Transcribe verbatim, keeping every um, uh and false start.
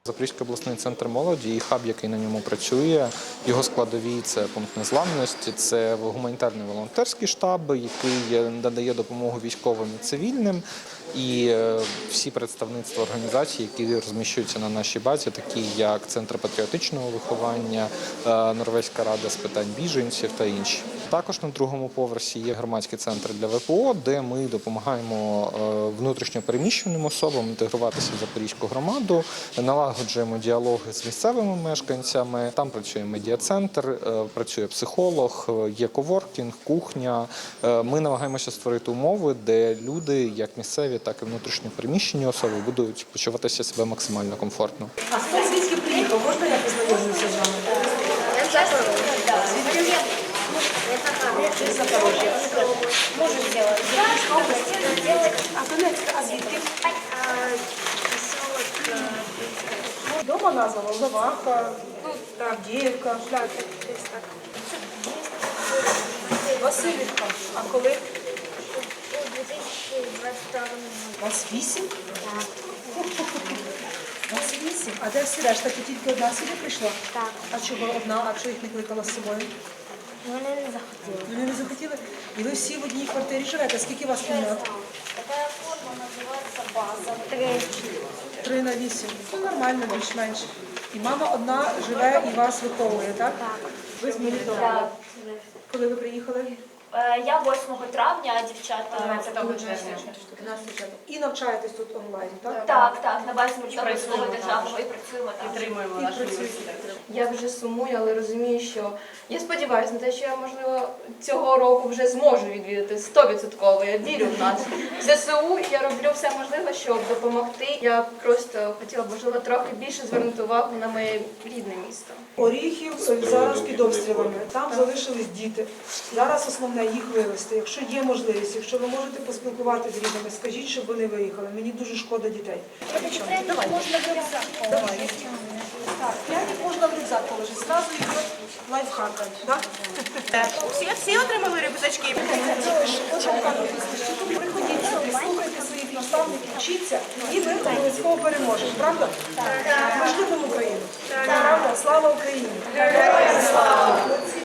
Запорізький обласний центр молоді і хаб, який на ньому працює, його складові – це пункт незламності, це гуманітарний волонтерський штаб, який надає допомогу військовим і цивільним, і всі представництва організацій, які розміщуються на нашій базі, такі як Центр патріотичного виховання, Норвезька рада з питань біженців та інші. Також на другому поверсі є громадський центр для В П О, де ми допомагаємо внутрішньо переміщеним особам інтегруватися в запорізьку громаду, налагоджуємо діалоги з місцевими мешканцями. Там працює медіа-центр, працює психолог, є коворкінг, кухня. Ми намагаємося створити умови, де люди, як місцеві, так і внутрішньо переміщені особи, будуть почуватися себе максимально комфортно. А хто звідки приїхав? Можна я познайомлюся з вами? Звідки? З Запорожжя. Можу зробити. А Донецька, а звідки? Дома назва Волноваха, Авдіївка, Васильівка. А коли? У дві тисячі двадцять второму році. Вас вісім? Так. Вас вісім? А де всі решта? Ти тільки одна сюди прийшла? Так. А чого одна? А чого їх не кликала з собою? Вони не захотіли. Вони не захотіли? І ви всі в одній квартирі живете? Скільки вас кімнат? Така форма називається база. Три. Три на вісім. Ну, нормально, більш-менш. І мама одна живе і вас виховує, так? Так. Ви з Мелітополя. Так. Коли ви приїхали? Е, Я восьмого травня, а дівчата дванадцятого червня. І навчаєтесь тут онлайн, так? Так, так, на базі Мелітопольського державного і працюємо там. Підтримуємо І наш працюєте. університет. Я вже сумую, але розумію, що я сподіваюся на те, що я, можливо, цього року вже зможу відвідати сто відсотків. Я вірю в нас. В З С У я роблю все можливе, щоб допомогти. Я просто хотіла б, можливо, трохи більше звернути увагу на моє рідне місто. Оріхів зараз під обстрілами. Там залишились діти. Зараз основне їх вивезти. Якщо є можливість, якщо ви можете поспілкуватися з рідними, скажіть, щоб вони виїхали. Мені дуже шкода дітей. Давай. Можна в рюкзак. Давай. Так, пряник можна в рюкзак положити. Зразу йде лайфхак. Так? Всі, всі отримали рюкзачки? Приходіть сюди, слухайте своїх наставників, вчіться, і ми обов'язково переможемо. Правда? Ми ж любимо Україну. Правда? Слава Україні!